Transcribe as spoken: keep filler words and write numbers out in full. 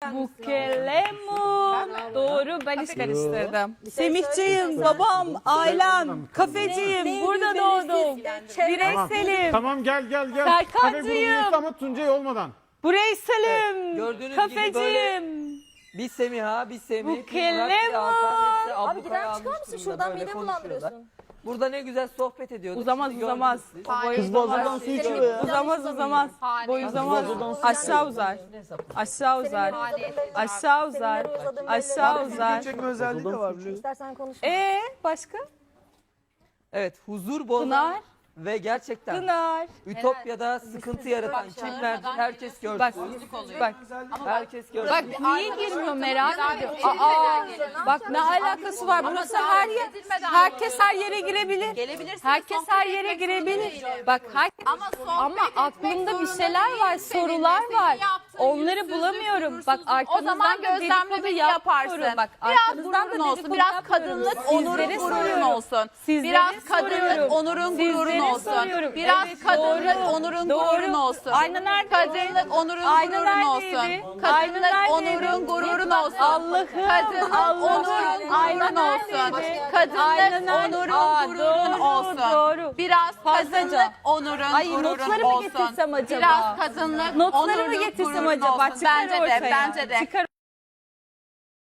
Bukelemu. Doğru, ben hiç karıştırdım. Semihciğim, babam, ailem, kafeciyim, burada doğdum. Bireyselim, Tamam gel gel gel. Serkancığım. Kafe grubuyuz ama Tuncay olmadan. bireyselim, Gördüğünüz gibi böyle kafeciyim. bir Semiha, bir Semih, bir Bukelemu. Murat, bir Hakan, hepsi Abi ablukaya giden almış çıkar mısın? durumda, Şuradan böyle midemi konuşuyorlar. bulandırıyorsun. Burada ne güzel sohbet ediyorduk. Uzamaz Şimdi uzamaz. gördünüz siz. O boy Kız uzamaz. bazen su içiyor ya. Uzamaz uzamaz. Boy uzamaz. Aşağı uzar. Aşağı uzar. Aşağı uzar. Aşağı uzar. Çekme özelliği de var biliyorsun. İstersen konuş. Ee başka? Evet, huzur bozan Pınar. ve gerçekten Pınar. Ütopya'da sıkıntı yaratan kimler herkes görsün. Bak. Bak. Herkes görsün. Bak niye girmiyor merak ediyorum. Aa, bak ne alakası var? Burası her yer. Herkes her yere girebilir. Herkes her yere girebilir. Bak herkes. Ama aklımda bir şeyler var, sorular var. Onları bulamıyorum. Bak O zaman arkanızdan da dedikodu gözlemlemeni yaparsın. yapmıyorum. Bak Biraz arkanızdan da gururun olsun, dedikodu biraz yapmıyorum. kadınlık, onurun, Sizlere gururun soruyorum. olsun. Sizlere Biraz kadınlık, soruyorum. onurun, gururun Sizlere olsun. soruyorum. Biraz Evet, kadınlık, doğru. onurun, Doğru. gururun olsun. Ayna neredeydi? Kadınlık, onurun, Ayna gururun neredeydi? olsun. Ayna Kadınlık, neredeydi? onurun, gururun olsun. Allah'ım, Kadınlık, Allah'ım. onurun, Ayna gururun olsun. neredeydi? Kadınlık, Ayna nerede? onurun, Aa, gururun doğru, olsun. doğru. Biraz Fazlaca. kadınlık, onurun, Ay, gururun notları mı olsun. getirsem acaba? Biraz kadınlık, Notları mı onurun, getirsem gururun acaba? olsun. Çıkar Bence de, ortaya. bence de. Çıkar